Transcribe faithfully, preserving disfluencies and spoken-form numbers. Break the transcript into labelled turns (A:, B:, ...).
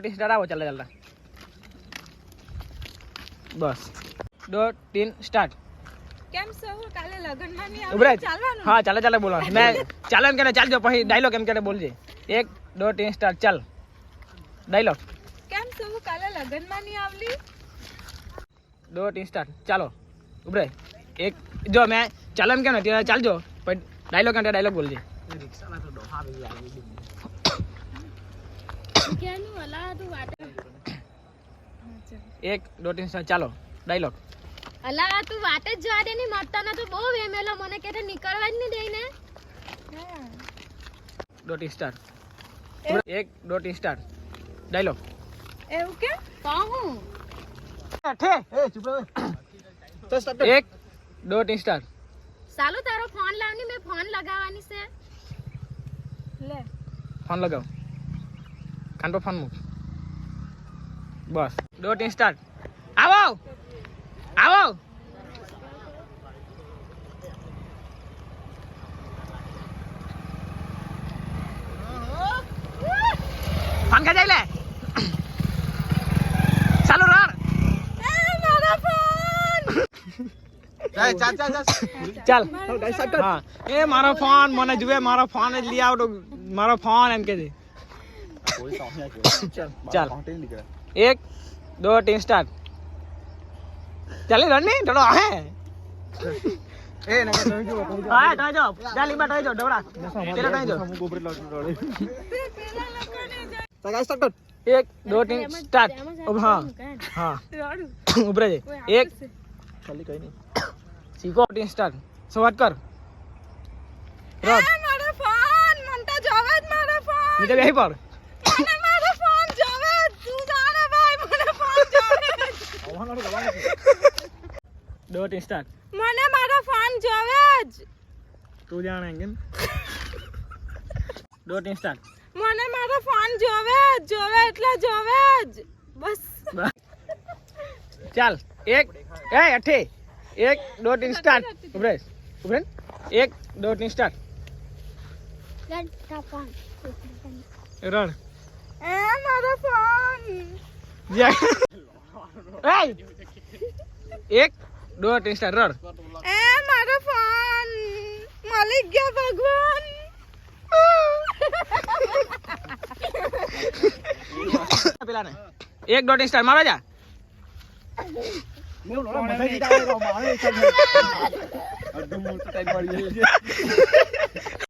A: Start आओ चल चलता बस दो तीन स्टार्ट
B: કેમ સૌ કાલે લગનમાં નહીં
A: ઉભરે
B: આવે ચાલવાનું
A: હા ચાલે ચાલે બોલો मैं ચાલે એમ કે ચાલજો પછી ડાયલોગ એમ કે બોલજે એક દो तीन स्टार्ट चल डायलॉग
B: કેમ સૌ કાલે લગનમાં નહીં આવલી
A: दो तीन स्टार्ट चलो उभरे एक जो मैं चलन क्या ना तेरा चल जो पर डायलॉग क्या डायलॉग बोल दे एक दो तीन स्टार्ट चलो डायलॉग
C: અલા તું વાત જ જવા દે ની મરતા ના તો બહુ વેમેલો મને કે નીકળવા જ નહીં દે ને
A: दो तीन स्टार्ट एक दो तीन स्टार्ट डायलॉग
B: એવું કે
C: કહું
A: ठे एक दो तीन स्टार्ट
C: સાલું તારો ફોન લાવની મે ફોન લગાવવાની છે
B: લે
A: फोन लगाओ कान पर फोन मुक बस दो तीन स्टार्ट आओ आओ फोन का जाइले चालू रह
B: મારો ફોન
D: ચાલ ચાલ ચાલ
A: चल हाँ ए मारो फोन मने जुए मारो फोन लिया तो मारो फोन एम के दे
D: कोई साउंड नहीं
A: चल चल
D: काउंटिंग लिख रहा
A: एक दो तीन स्टार्ट चल रन नहीं डरो है
D: ए ना तो जो
A: हां टाई जो जाली बा टाई जो डबरा तेरा टाई जो
D: हम गोबर लग रहे
B: પેલા લગને જાય
D: सगाई स्टार्ट कर
A: एक दो तीन स्टार्ट अब हाँ हाँ
B: રડું
A: ऊपर जे एक
D: खाली कहीं नहीं
A: सीखो तीन स्टार्ट शुरुआत कर रन
B: એ મારો ફોન મન તો જોવે જ મારો ફોન
A: नीचे यहीं पर
B: મને મારો ફોન જોવે જ. તું જાણે ભાઈ મને ફોન જોવે જ.
A: दो तीन स्टार्ट
B: મને મારો ફોન જોવે જ
A: तू जानेंगे दो तीन स्टार्ट
B: મને મારો ફોન જોવે જ જોવે એટલે જોવે જ બસ
A: चल एक ए अठे एक दो तीन स्टार्ट उभरे उभरे एक दो तीन स्टार्ट रन
B: એ મારો ફોન
A: जय ए एक दो तीन स्टार्ट रन
B: એ મારો ફોન મળી ગયા ભગવાન
A: પેલા ને એક દો तीन स्टार्ट मारो जा
D: मैं बोला मजा ही आएगा मारे चल एकदम मोटा टाइप मार